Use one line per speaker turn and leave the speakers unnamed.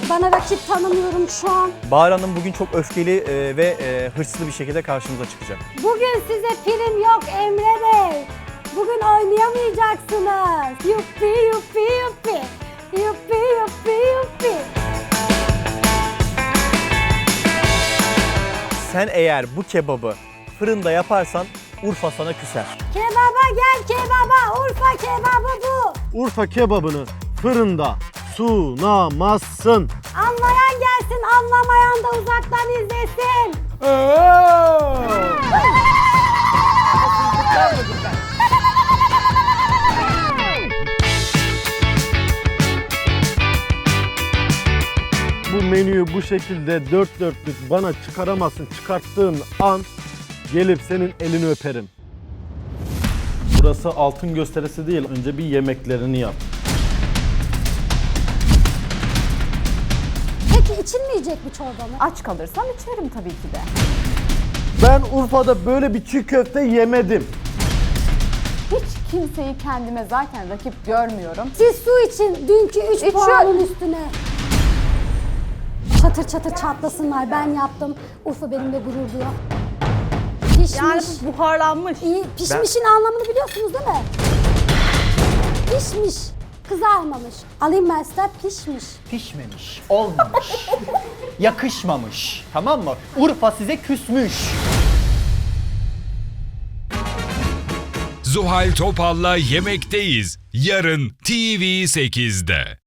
Bana rakip tanımıyorum şu an.
Bahar Hanım bugün çok öfkeli ve hırslı bir şekilde karşımıza çıkacak.
Bugün size prim yok Emre Bey. Bugün oynayamayacaksınız. Yuppi yuppi yuppi. Yuppi yuppi yuppi.
Sen eğer bu kebabı fırında yaparsan Urfa sana küser.
Kebaba gel kebaba. Urfa kebabı bu.
Urfa kebabını fırında sunamazsın.
Anlayan gelsin, anlamayan da uzaktan izlesin.
Bu menüyü bu şekilde dört dörtlük bana çıkaramazsın. Çıkarttığın an gelip senin elini öperim. Burası altın gösterisi değil. Önce bir yemeklerini yap.
Peki içilmeyecek mi çorbamı?
Aç kalırsam içerim tabii ki de.
Ben Urfa'da böyle bir çiğ köfte yemedim.
Hiç kimseyi kendime zaten rakip görmüyorum.
Siz su için dünkü 3
İçiyorum.
puanın üstüne. Çatır çatır çatlasınlar. Ben yaptım. Urfa benimle gurur duyuyor. Pişmiş.
Yani buharlanmış.
İyi. Pişmişin anlamını biliyorsunuz değil mi? Pişmiş. Kızarmamış. Alayım ben size pişmiş.
Pişmemiş, olmamış, yakışmamış. Tamam mı? Urfa size küsmüş.
Zuhal Topal'la Yemekteyiz. Yarın TV8'de.